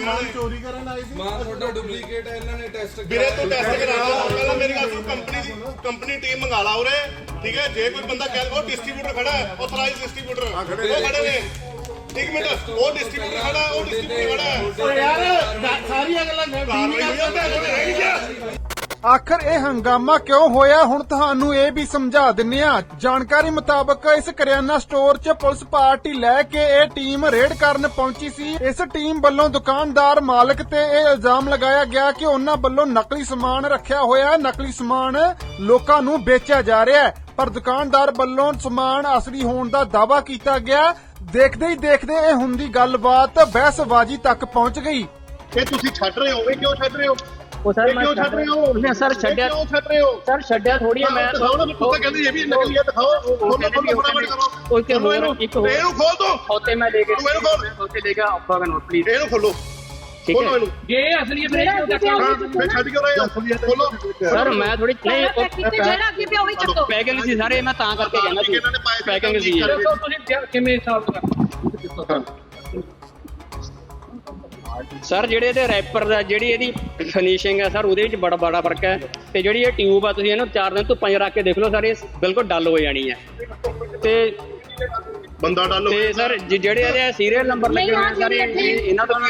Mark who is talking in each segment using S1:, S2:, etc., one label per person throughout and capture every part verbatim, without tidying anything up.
S1: ਇਹਨਾਂ ਨੇ
S2: ਚੋਰੀ ਕਰਨ ਆਏ ਸੀ।
S3: ਮਾਂ ਤੁਹਾਡਾ ਡੁਪਲੀਕੇਟ ਹੈ, ਇਹਨਾਂ ਨੇ ਟੈਸਟ
S1: ਵੀਰੇ ਤੂੰ ਟੈਸਟ ਕਰਾ ਪਹਿਲਾਂ ਮੇਰੀ ਗੱਲ ਸੁਣ। ਕੰਪਨੀ ਦੀ ਕੰਪਨੀ ਟੀਮ ਮੰਗਾ ਲਾ ਉਰੇ, ਠੀਕ ਹੈ। ਜੇ ਕੋਈ ਬੰਦਾ ਕਹਿ ਉਹ ਡਿਸਟ੍ਰੀਬਿਊਟਰ ਖੜਾ ਹੈ, ਆਥੋਰਾਈਜ਼ਡ ਡਿਸਟ੍ਰੀਬਿਊਟਰ ਉਹ ਖੜੇ ਨੇ। ਇੱਕ ਮਿੰਟ, ਉਹ ਡਿਸਟ੍ਰੀਬਿਊਟਰ ਖੜਾ, ਉਹ ਡਿਸਟ੍ਰੀਬਿਊਟਰ ਖੜਾ ਹੈ।
S2: ਓ ਯਾਰ ਸਾਰੀਆਂ ਗੱਲਾਂ
S1: ਕਾਰਵਾਈ ਹੋਈ ਆ, ਭੈਣ ਚੋਦ ਰਹਿ ਗਿਆ।
S4: ਆਖਰ ਇਹ ਹੰਗਾਮਾ ਕਿਉਂ ਹੋਇਆ, ਹੁਣ ਤੁਹਾਨੂੰ ਇਹ ਵੀ ਸਮਝਾ ਦਿੰਨੇ ਆ। ਜਾਣਕਾਰੀ ਮੁਤਾਬਕ ਇਸ ਕਰਿਆਨਾ ਸਟੋਰ 'ਚ ਪੁਲਿਸ ਪਾਰਟੀ ਲੈ ਕੇ ਇਹ ਟੀਮ ਰੇਡ ਕਰਨ ਪਹੁੰਚੀ ਸੀ। ਇਸ ਟੀਮ ਵੱਲੋਂ ਦੁਕਾਨਦਾਰ ਮਾਲਕ ਤੇ ਇਹ ਇਲਜ਼ਾਮ ਲਗਾਇਆ ਗਿਆ ਕਿ ਉਹਨਾਂ ਵੱਲੋਂ ਨਕਲੀ ਸਮਾਨ ਰੱਖਿਆ ਹੋਇਆ ਹੈ, ਨਕਲੀ ਸਮਾਨ ਲੋਕਾਂ ਨੂੰ ਵੇਚਿਆ ਜਾ ਰਿਹਾ ਹੈ। ਪਰ ਦੁਕਾਨਦਾਰ ਵੱਲੋਂ ਸਮਾਨ ਅਸਲੀ ਹੋਣ ਦਾ ਦਾਅਵਾ ਕੀਤਾ ਗਿਆ। ਦੇਖਦੇ ਹੀ ਦੇਖਦੇ ਇਹ ਹੁੰਦੀ ਗੱਲਬਾਤ ਬਹਿਸਬਾਜ਼ੀ ਤੱਕ ਪਹੁੰਚ ਗਈ।
S1: ਇਹ ਤੁਸੀਂ ਛੱਡ ਰਹੇ ਹੋ, ਇਹ ਕਿਉਂ ਛੱਡ ਰਹੇ ਹੋ?
S5: ਉਹ ਸਰ ਮੈਂ
S1: ਕਿਉਂ ਛੱਡ ਰਹੇ ਹੋ?
S5: ਨਹੀਂ ਸਰ ਛੱਡਿਆ,
S1: ਕਿਉਂ ਛੱਡ ਰਹੇ ਹੋ?
S5: ਸਰ ਛੱਡਿਆ ਥੋੜੀ ਹੈ। ਮੈਂ
S1: ਦਿਖਾਓ ਨਾ, ਪੁੱਤ ਕਹਿੰਦੀ ਇਹ ਵੀ ਨਕਲੀ ਹੈ, ਦਿਖਾਓ। ਖੋਲੋ ਖੋਲੋ ਫਟਾਫਟ ਕਰੋ।
S5: ਉਹ ਤੇ ਹੋਰ ਇੱਕ ਹੋਰ
S1: ਇਹਨੂੰ ਖੋਲ ਦੋ।
S5: ਹੋਤੇ ਮੈਂ ਲੈ ਕੇ
S1: ਤੂੰ ਇਹਨੂੰ ਖੋਲ।
S5: ਹੋਤੇ ਲੈ ਕੇ ਆਪਾਂ ਦਾ ਨੋਟ ਪਲੀਜ਼।
S1: ਇਹਨੂੰ ਖੋਲੋ,
S5: ਠੀਕ
S1: ਖੋਲੋ
S5: ਹੈ
S1: ਇਹਨੂੰ।
S5: ਜੇ ਅਸਲੀ ਬ੍ਰੇਕ
S1: ਹਾਂ, ਫਿਰ ਛੱਡ ਕਿਉਂ ਰਹੇ ਹੋ? ਖੋਲੋ।
S5: ਸਰ ਮੈਂ ਥੋੜੀ ਨਹੀਂ
S6: ਜਿਹੜਾ ਅੱਗੇ ਪਿਆ ਉਹੀ ਚੱਕੋ।
S5: ਪੈਕਿੰਗ ਸੀ ਸਾਰੇ, ਮੈਂ ਤਾਂ ਕਰਕੇ ਕਹਿੰਦਾ ਸੀ
S1: ਇਹਨਾਂ ਨੇ ਪਾਏ
S5: ਪੈਕਿੰਗ ਸੀ।
S6: ਤੁਸੀਂ ਕਿਵੇਂ ਹਿਸਾਬ ਕਰ
S5: ਸਰ ਜਿਹੜੇ ਇਹਦੇ ਰੈਪਰ ਦਾ ਜਿਹੜੀ ਇਹਦੀ ਫਿਨਿਸ਼ਿੰਗ ਹੈ ਸਰ, ਉਹਦੇ ਵਿੱਚ ਬੜਾ ਬੜਾ ਫਰਕ ਹੈ। ਤੇ ਜਿਹੜੀ ਇਹ ਟਿਊਬ ਆ, ਤੁਸੀਂ ਇਹਨੂੰ ਚਾਰ ਦਿਨ ਧੁੱਪਾਂ 'ਚ ਰੱਖ ਕੇ ਦੇਖ ਲਓ ਸਰ, ਇਹ ਬਿਲਕੁਲ ਡਲ ਹੋ ਜਾਣੀ ਹੈ। ਤੇ
S1: ਬੰਦਾ ਡਾਲੋ।
S5: ਤੇ ਸਰ ਜ- ਜਿਹੜੇ ਇਹਦੇ ਸੀਰੀਅਲ ਨੰਬਰ ਲੱਗੇ ਹੋਏ ਸਰ, ਇਹ- ਇਹ- ਇਹਨਾਂ ਤੋਂ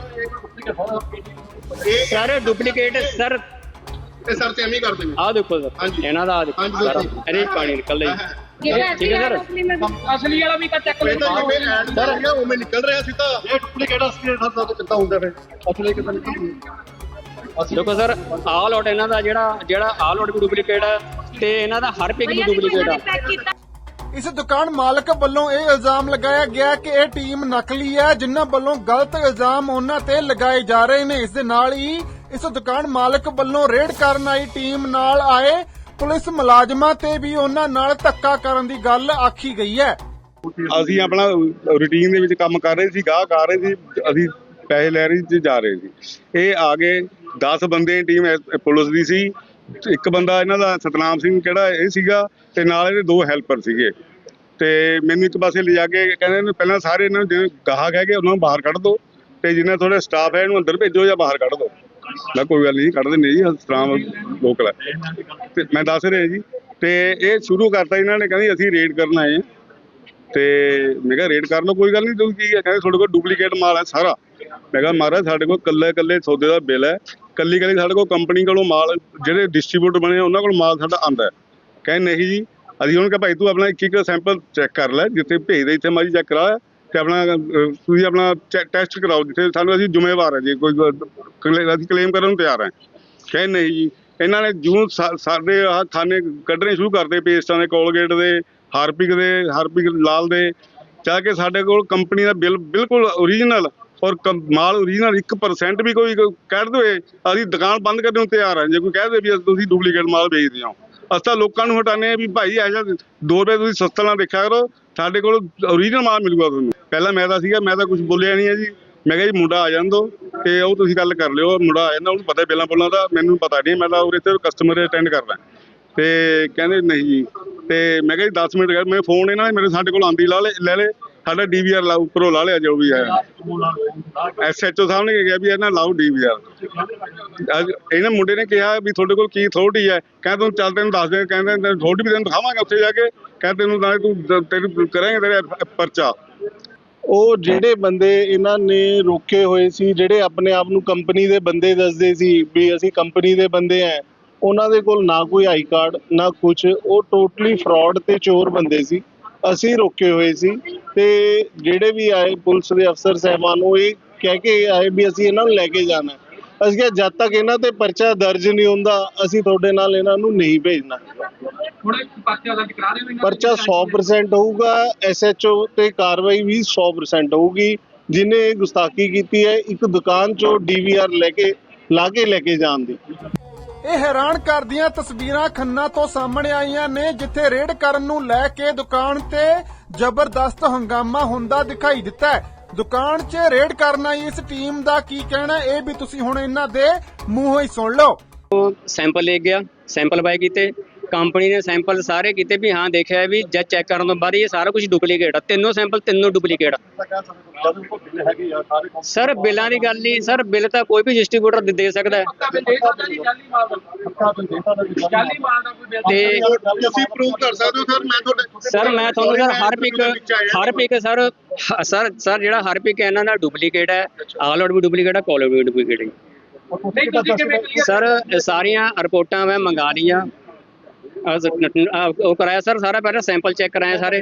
S1: ਇਹ
S5: ਸਾਰੇ ਡੁਪਲੀਕੇਟ ਸਰ।
S1: ਇਹ ਸਰ ਤੇ ਐਵੇਂ ਹੀ ਕਰਦੇ ਨੇ।
S5: ਆਹ ਦੇਖੋ ਸਰ,
S1: ਹਾਂਜੀ।
S5: ਇਹਨਾਂ ਦਾ ਆਹ ਦੇਖੋ
S1: ਹਾਂਜੀ,
S5: ਸਰ,
S1: ਦੇਖੋ।
S5: ਇਹਦੇ 'ਚ ਪਾਣੀ ਨਿਕਲ ਰਿਹਾ ਜੀ।
S6: ਜਿਹੜਾ
S5: ਠੀਕ ਹੈ ਸਰ।
S6: ਅਸਲੀ ਵਾਲਾ ਵੀ ਤਾਂ ਚੱਕ
S1: ਇਹ ਤਾਂ ਜਿਵੇਂ ਐਡ ਕਰ ਰਿਹਾ ਉਵੇਂ ਨਿਕਲ ਰਿਹਾ ਸੀ। ਤਾਂ ਇਹ ਡੁਪਲੀਕੇਟ ਅਸਲੀ ਦਾ ਕਿੱਦਾਂ ਹੁੰਦਾ ਫਿਰ? ਅਸਲੀ ਕਿੱਦਾਂ ਨਿਕਲਦਾ?
S5: ਦੇਖੋ ਸਰ, ਆਲ ਆਊਟ ਇਹਨਾਂ ਦਾ ਜਿਹੜਾ ਜਿਹੜਾ ਆਲ ਆਊਟ ਵੀ ਡੁਪਲੀਕੇਟ ਹੈ, ਤੇ ਇਹਨਾਂ ਦਾ ਹਰ ਪਿਕ ਵੀ ਡੁਪਲੀਕੇਟ ਹੈ।
S4: ਇਸ ਦੁਕਾਨ ਮਾਲਕ ਵੱਲੋਂ ਇਹ ਇਲਜ਼ਾਮ ਲਗਾਇਆ ਗਿਆ ਕਿ ਇਹ ਟੀਮ ਨਕਲੀ ਹੈ, ਜਿਨ੍ਹਾਂ ਵੱਲੋਂ ਗਲਤ ਇਲਜ਼ਾਮ ਉਹਨਾਂ ਤੇ ਲਗਾਏ ਜਾ ਰਹੇ ਨੇ। ਇਸ ਦੇ ਨਾਲ ਹੀ ਇਸ ਦੁਕਾਨ ਮਾਲਕ ਵੱਲੋਂ ਰੇਡ ਕਰਨ ਆਈ ਟੀਮ ਨਾਲ ਆਏ ਪੁਲਿਸ ਮੁਲਾਜ਼ਮਾਂ ਤੇ ਵੀ ਉਹਨਾਂ ਨਾਲ ਧੱਕਾ ਕਰਨ ਦੀ ਗੱਲ ਆਖੀ ਗਈ ਹੈ।
S7: ਅਸੀਂ ਆਪਣਾ ਰੂਟੀਨ ਦੇ ਵਿੱਚ ਕੰਮ ਕਰ ਰਹੇ ਸੀ, ਗਾਹਕ ਆ ਰਹੇ ਸੀ, ਅਸੀਂ ਪੈਸੇ ਲੈ ਰਹੇ ਸੀ, ਜਾ ਰਹੇ ਸੀ। ਇਹ ਆ ਗਏ ਦਸ ਬੰਦੇ ਟੀਮ ਪੁਲਿਸ ਦੀ ਸੀ। ਇੱਕ ਬੰਦਾ ਇਹਨਾਂ ਦਾ ਸਤਨਾਮ ਸਿੰਘ ਕਿਹੜਾ ਇਹ ਸੀਗਾ, ਤੇ ਨਾਲ ਇਹਦੇ ਦੋ ਹੈਲਪਰ ਸੀਗੇ। ਤੇ ਮੈਨੂੰ ਇੱਕ ਪਾਸੇ ਲਿਜਾ ਕੇ ਕਹਿੰਦੇ ਨੇ ਪਹਿਲਾਂ ਸਾਰੇ ਇਹਨਾਂ ਨੂੰ ਜਿਵੇਂ ਗਾਹਕ ਹੈਗੇ ਉਹਨਾਂ ਨੂੰ ਬਾਹਰ ਕੱਢ ਦਿਓ, ਤੇ ਜਿੰਨਾ ਥੋੜਾ ਸਟਾਫ ਹੈ ਇਹਨੂੰ ਅੰਦਰ ਭੇਜੋ ਜਾਂ ਬਾਹਰ ਕੱਢ ਦਿਓ। ਮੈਂ ਕੋਈ ਗੱਲ ਨਹੀਂ, ਕੱਢ ਦਿੰਦੇ ਜੀ, ਸਤਨਾਮ ਲੋਕਲ ਹੈ। ਤੇ ਮੈਂ ਦੱਸ ਰਿਹਾ ਜੀ, ਤੇ ਇਹ ਸ਼ੁਰੂ ਕਰਤਾ ਇਹਨਾਂ ਨੇ, ਕਹਿੰਦੇ ਅਸੀਂ ਰੇਡ ਕਰਨ ਆਏ ਹਾਂ। ਤੇ ਮੈਂ ਕਿਹਾ ਰੇਡ ਕਰ ਲਓ, ਕੋਈ ਗੱਲ ਨਹੀਂ। ਤੁਸੀਂ ਕੀ ਹੈ? ਕਹਿੰਦੇ ਤੁਹਾਡੇ ਕੋਲ ਡੁਪਲੀਕੇਟ ਮਾਲ ਹੈ ਸਾਰਾ। ਮੈਂ ਕਿਹਾ ਮਹਾਰਾਜ ਸਾਡੇ ਕੋਲ ਕੱਲੇ ਕੱਲੇ ਸੌਦੇ ਦਾ ਬਿੱਲ ਹੈ, ਕੱਲੀ ਕੱਲੀ ਸਾਡੇ ਕੋਲ ਕੰਪਨੀ ਕੋਲੋਂ ਮਾਲ, ਜਿਹੜੇ ਡਿਸਟਰੀਬਿਊਟਰ ਬਣੇ ਉਹਨਾਂ ਕੋਲ ਮਾਲ ਸਾਡਾ ਆਉਂਦਾ ਹੈ। ਕਹਿੰਦੇ ਨਹੀਂ ਜੀ, ਅਸੀਂ ਉਹਨੂੰ ਕਿਹਾ ਭਾਈ ਤੂੰ ਆਪਣਾ ਇੱਕ ਇੱਕ ਸੈਂਪਲ ਚੈੱਕ ਕਰ ਲੈ, ਜਿੱਥੇ ਭੇਜਦੇ ਇੱਥੇ ਮਾਰੀ ਚੈੱਕ ਕਰਾ, ਤੇ ਆਪਣਾ ਤੁਸੀਂ ਆਪਣਾ ਟੈਸਟ ਕਰਾਓ ਜਿੱਥੇ ਸਾਨੂੰ, ਅਸੀਂ ਜ਼ਿੰਮੇਵਾਰ ਹੈ ਜੀ, ਕੋਈ ਅਸੀਂ ਕਲੇਮ ਕਰਨ ਨੂੰ ਤਿਆਰ ਹੈ। ਕਹਿੰਦੇ ਨਹੀਂ ਜੀ। ਇਹਨਾਂ ਨੇ ਜੂੰ ਸਾਡੇ ਆਹ ਖਾਨੇ ਕੱਢਣੇ ਸ਼ੁਰੂ ਕਰਦੇ, ਪੇਸਟਾਂ ਦੇ, ਕੋਲਗੇਟ ਦੇ, ਹਾਰਪਿਕ ਦੇ, ਹਾਰਪਿਕ ਲਾਲ ਦੇ, ਚਾਹ ਕੇ ਸਾਡੇ ਕੋਲ ਕੰਪਨੀ ਦਾ ਬਿੱਲ ਬਿਲਕੁਲ ਓਰੀਜਨਲ ਔਰ ਮਾਲ ਓਰੀਜਨਲ ਇੱਕ ਪਰਸੈਂਟ ਵੀ ਕੋਈ ਕਹਿ ਦੇਵੇ, ਅਸੀਂ ਦੁਕਾਨ ਬੰਦ ਕਰਨ ਨੂੰ ਤਿਆਰ ਹਾਂ। ਜੇ ਕੋਈ ਕਹਿ ਦੇ ਵੀ ਤੁਸੀਂ ਡੁਪਲੀਕੇਟ ਮਾਲ ਵੇਚਦੇ ਹੋ, ਅਸੀਂ ਤਾਂ ਲੋਕਾਂ ਨੂੰ ਹਟਾਉਂਦੇ ਹਾਂ ਵੀ ਭਾਈ ਇਹੋ ਜਿਹਾ ਦੋ ਰੁਪਏ ਤੁਸੀਂ ਸਸਤਾ ਨਾ ਦੇਖਿਆ ਕਰੋ, ਸਾਡੇ ਕੋਲ ਓਰੀਜਨਲ ਮਾਲ ਮਿਲੂਗਾ ਤੁਹਾਨੂੰ। ਪਹਿਲਾਂ ਮੈਂ ਤਾਂ ਸੀਗਾ, ਮੈਂ ਤਾਂ ਕੁਝ ਬੋਲਿਆ ਨਹੀਂ ਹੈ ਜੀ। ਮੈਂ ਕਿਹਾ ਜੀ ਮੁੰਡਾ ਆ ਜਾਣ ਦਿਓ, ਤੇ ਉਹ ਤੁਸੀਂ ਗੱਲ ਕਰ ਲਿਓ। ਮੁੰਡਾ ਆ ਜਾਂਦਾ, ਉਹਨੂੰ ਪਤਾ ਬਿੱਲਾਂ ਬੁੱਲਾਂ ਦਾ, ਮੈਨੂੰ ਪਤਾ ਨਹੀਂ, ਮੈਂ ਤਾਂ ਉਰੇ ਤੇ ਕਸਟਮਰ ਅਟੈਂਡ ਕਰਦਾ। ਤੇ ਕਹਿੰਦੇ ਨਹੀਂ ਜੀ। ਤੇ ਮੈਂ ਕਿਹਾ ਜੀ ਦਸ ਮਿੰਟ ਕਰ, ਮੈਂ ਫੋਨ ਇਹਨਾਂ ਨੇ ਮੇਰੇ ਸਾਡੇ ਕੋਲ ਆਂਦੀ ਲਾ ਲੈ ਲੈ ਲੈ ਸਾਡਾ ਡੀ ਵੀ ਆਰ ਲਾ ਉੱਪਰੋਂ ਲਾ ਲਿਆ, ਜੋ ਵੀ ਹੈ। ਐਸ ਐਚ ਓ ਸਾਹਿਬ ਨੇ ਕਿਹਾ ਵੀ ਇਹਨਾਂ ਲਾਓ ਡੀ ਵੀ ਆਰ। ਇਹਨਾਂ ਮੁੰਡੇ ਨੇ ਕਿਹਾ ਵੀ ਤੁਹਾਡੇ ਕੋਲ ਕੀ ਅਥਾਰਟੀ ਹੈ? ਕਹਿੰਦੇ ਤੁਹਾਨੂੰ ਚੱਲ ਤੈਨੂੰ ਦੱਸ ਦੇ, ਕਹਿੰਦੇ ਅਥਾਰਟੀ ਵੀ ਤੈਨੂੰ ਦਿਖਾਵਾਂਗੇ ਉੱਥੇ ਜਾ ਕੇ, ਕਹਿੰਦੇ ਤੈਨੂੰ ਨਾਲੇ ਤੂੰ ਤੈਨੂੰ ਕਰਾਂਗੇ ਤੇਰੇ ਪਰਚਾ।
S2: ਉਹ ਜਿਹੜੇ ਬੰਦੇ ਇਹਨਾਂ ਨੇ ਰੋਕੇ ਹੋਏ ਸੀ, ਜਿਹੜੇ ਆਪਣੇ ਆਪ ਨੂੰ ਕੰਪਨੀ ਦੇ ਬੰਦੇ ਦੱਸਦੇ ਸੀ ਵੀ ਅਸੀਂ ਕੰਪਨੀ ਦੇ ਬੰਦੇ ਆ, ਉਹਨਾਂ ਦੇ ਕੋਲ ਨਾ ਕੋਈ ਆਈ ਕਾਰਡ ਨਾ ਕੁਛ, ਉਹ ਟੋਟਲੀ ਫਰਾਡ ਤੇ ਚੋਰ ਬੰਦੇ ਸੀ। ਅਸੀਂ ਰੋਕੇ ਹੋਏ ਸੀ, ਤੇ ਜਿਹੜੇ ਵੀ ਆਏ ਪੁਲਿਸ ਦੇ ਅਫਸਰ ਸਾਹਿਬਾਨ ਉਹ ਇਹ ਕਹਿ ਕੇ ਆਏ ਵੀ ਅਸੀਂ ਇਹਨਾਂ ਨੂੰ ਲੈ ਕੇ ਜਾਣਾ। ਅਸੀਂ ਕਿਹਾ ਜਦ ਤੱਕ ਇਹਨਾਂ ਤੇ ਪਰਚਾ ਦਰਜ ਨਹੀਂ ਹੁੰਦਾ ਅਸੀਂ ਤੁਹਾਡੇ ਨਾਲ ਇਹਨਾਂ ਨੂੰ ਨਹੀਂ ਭੇਜਣਾ। ਪਰਚਾ ਸੌ ਪਰਸੈਂਟ ਹੋਊਗਾ, ਐਸ ਐਚ ਓ ਤੇ ਕਾਰਵਾਈ ਵੀ ਸੌ ਪਰਸੈਂਟ ਹੋਊਗੀ। ਜਿਹਨੇ ਗੁਸਤਾਖੀ ਕੀਤੀ ਹੈ ਇੱਕ ਦੁਕਾਨ ਚੋਂ ਡੀ ਵੀ ਆਰ ਲੈ ਕੇ ਲਾ ਕੇ ਲੈ ਕੇ ਜਾਣ ਦੀ।
S4: ਇਹ ਹੈਰਾਨ ਕਰਦੀਆਂ ਤਸਵੀਰਾਂ ਖੰਨਾ ਤੋਂ ਸਾਹਮਣੇ ਆਈਆਂ ਨੇ, ਜਿੱਥੇ ਰੇਡ ਕਰਨ ਨੂੰ ਲੈ ਕੇ ਦੁਕਾਨ ਤੇ ਜ਼ਬਰਦਸਤ ਹੰਗਾਮਾ ਹੁੰਦਾ ਦਿਖਾਈ ਦਿੱਤਾ ਹੈ। ਦੁਕਾਨ 'ਚ ਰੇਡ ਕਰਨ ਆਈ ਇਸ ਟੀਮ ਦਾ ਕੀ ਕਹਿਣਾ, ਇਹ ਵੀ ਤੁਸੀਂ ਹੁਣ ਇਹਨਾਂ ਦੇ ਮੂੰਹੋਂ ਹੀ ਸੁਣ ਲਓ।
S5: ਸੈਂਪਲ ਲੈ ਗਿਆ, ਸੈਂਪਲ ਬਾਏ ਕੀਤੇ, ਕੰਪਨੀ ਨੇ ਸੈਂਪਲ ਸਾਰੇ ਕੀਤੇ ਵੀ ਹਾਂ ਦੇਖਿਆ ਵੀ ਜਦ ਚੈੱਕ ਕਰਨ ਤੋਂ ਬਾਅਦ ਇਹ ਸਾਰਾ ਕੁਝ ਡੁਪਲੀਕੇਟ ਆ, ਤਿੰਨੋਂ ਸੈਂਪਲ ਤਿੰਨੋਂ ਡੁਪਲੀਕੇਟ ਸਰ। ਬਿੱਲਾਂ ਦੀ ਗੱਲ ਨਹੀਂ ਸਰ, ਬਿੱਲ ਤਾਂ ਕੋਈ ਵੀ ਡਿਸਟ੍ਰੀਬਿਊਟਰ ਦੇ ਸਕਦਾ ਹੈ ਤੇ
S2: ਤੁਸੀਂ ਪ੍ਰੂਵ ਕਰ ਸਕਦੇ ਹੋ ਸਰ। ਮੈਂ ਤੁਹਾਡੇ
S5: ਸਰ ਮੈਂ ਤੁਹਾਨੂੰ ਸਰ ਹਰ ਪਿਕ ਹਰ ਪਿਕ ਸਰ ਹ- ਸਰ ਸਰ ਜਿਹੜਾ ਹਰ ਪਿਕ ਹੈ ਇਹਨਾਂ ਦਾ ਡੁਪਲੀਕੇਟ ਹੈ, ਆਲ ਆਊਟ ਵੀ ਡੁਪਲੀਕੇਟ ਹੈ, ਕਾਲ ਆਊਟ ਵੀ ਡੁਪਲੀਕੇਟ ਹੈ ਸਰ। ਇਹ ਸਾਰੀਆਂ ਰਿਪੋਰਟਾਂ ਮੈਂ ਮੰਗਾ ਲਈਆਂ, ਅਹ ਅਹ ਉਹ ਕਰਾਇਆ ਸਰ ਸਾਰਾ, ਪਹਿਲਾਂ ਸੈਂਪਲ ਚੈੱਕ ਕਰਾਇਆ ਸਾਰੇ।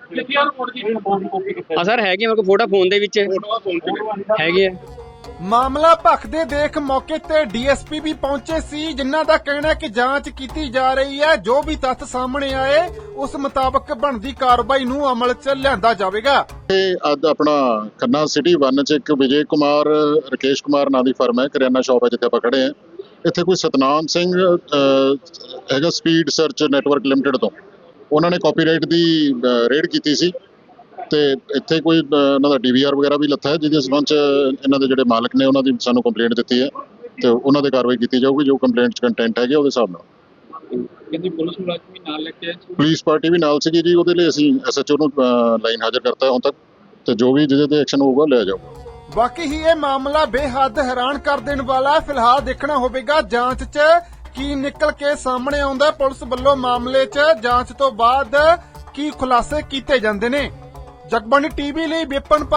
S5: ਹਾਂ ਸਰ ਹੈਗੀ ਮੇਰੇ ਕੋਲ ਫੋਟੋ ਫੋਨ ਦੇ ਵਿੱਚ ਹੈਗੀ ਹੈ।
S4: ਮਾਮਲਾ ਭਖਦੇ ਦੇਖ ਮੌਕੇ ਤੇ ਡੀਐਸਪੀ ਵੀ ਪਹੁੰਚੇ ਸੀ, ਜਿਨ੍ਹਾਂ ਦਾ ਕਹਿਣਾ ਹੈ ਕਿ ਜਾਂਚ ਕੀਤੀ ਜਾ ਰਹੀ ਹੈ, ਜੋ ਵੀ ਤੱਥ ਸਾਹਮਣੇ ਆਏ ਉਸ ਮੁਤਾਬਕ ਬਣਦੀ ਕਾਰਵਾਈ ਨੂੰ ਅਮਲ 'ਚ ਲਿਆਂਦਾ ਜਾਵੇਗਾ।
S8: ਇਹ ਅੱਜ ਆਪਣਾ ਖੰਨਾ ਸਿਟੀ ਵਨ ਚ ਇੱਕ ਵਿਜੇ ਕੁਮਾਰ ਰਕੇਸ਼ ਕੁਮਾਰ ਨਾਂ ਦੀ ਫਰਮ ਹੈ, ਕਰਿਆਨਾ ਸ਼ਾਪ ਹੈ ਜਿੱਥੇ ਆਪਾਂ ਖੜੇ ਹਾਂ। ਇੱਥੇ ਕੋਈ ਸਤਨਾਮ ਸਿੰਘ ਅਹ, ਹੈਗਾ ਸਪੀਡ ਸਰਚ ਨੈਟਵਰਕ ਲਿਮਟਿਡ ਤੋਂ, ਉਹਨਾਂ ਨੇ ਕਾਪੀਰਾਈਟ ਦੀ ਰੇਡ ਕੀਤੀ ਸੀ ਤੇ ਇੱਥੇ ਕੋਈ ਅਹ, ਇਹਨਾਂ ਦਾ ਡੀਵੀਆਰ ਵਗੈਰਾ ਵੀ ਲੱਥਾ ਹੈ, ਜਿਹਦੇ ਸੰਬੰਧ ਚ ਇਹਨਾਂ ਦੇ ਜਿਹੜੇ ਮਾਲਕ ਨੇ ਉਹਨਾਂ ਦੀ ਸਾਨੂੰ ਕੰਪਲੇਂਟ ਦਿੱਤੀ ਹੈ ਤੇ ਉਹਨਾਂ ਦੇ ਕਾਰਵਾਈ ਕੀਤੀ ਜਾਊਗੀ ਜੋ ਕੰਪਲੇਂਟ ਚ ਕੰਟੈਂਟ ਹੈਗੇ ਉਹਦੇ ਹਿਸਾਬ ਨਾਲ।
S6: ਕਿੰਨੀ ਪੁਲਿਸ ਮੁਲਾਜ਼ਮ ਵੀ ਨਾਲ ਲੈ ਕੇ ਆਏ ਸੀ?
S8: ਪੁਲਿਸ ਪਾਰਟੀ ਵੀ ਨਾਲ ਸੀਗੀ ਜੀ, ਉਹਦੇ ਲਈ ਅਸੀਂ ਐਸਐਚਓ ਨੂੰ ਲਾਈਨ ਹਾਜ਼ਰ ਕਰਤਾ ਹੁਣ ਤੱਕ ਤੇ ਜੋ ਵੀ ਜਿਹਦੇ ਤੇ ਐਕਸ਼ਨ ਹੋਊਗਾ ਲਿਆ ਜਾਊਗਾ।
S4: ਬਾਕੀ ਹੀ ਇਹ ਮਾਮਲਾ ਬੇਹੱਦ ਹੈਰਾਨ ਕਰ ਦੇਣ ਵਾਲਾ ਹੈ। ਫਿਲਹਾਲ ਦੇਖਣਾ ਹੋਵੇਗਾ ਜਾਂਚ 'ਚ ਕੀ ਨਿਕਲ ਕੇ ਸਾਹਮਣੇ ਆਉਂਦਾ। ਪੁਲਿਸ ਵੱਲੋਂ ਮਾਮਲੇ 'ਚ ਜਾਂਚ ਤੋਂ ਬਾਅਦ ਕੀ ਖੁਲਾਸੇ ਕੀਤੇ ਜਾਂਦੇ ਨੇ। ਜਗਬਾਣੀ ਟੀਵੀ ਲਈ ਵਿਪਨ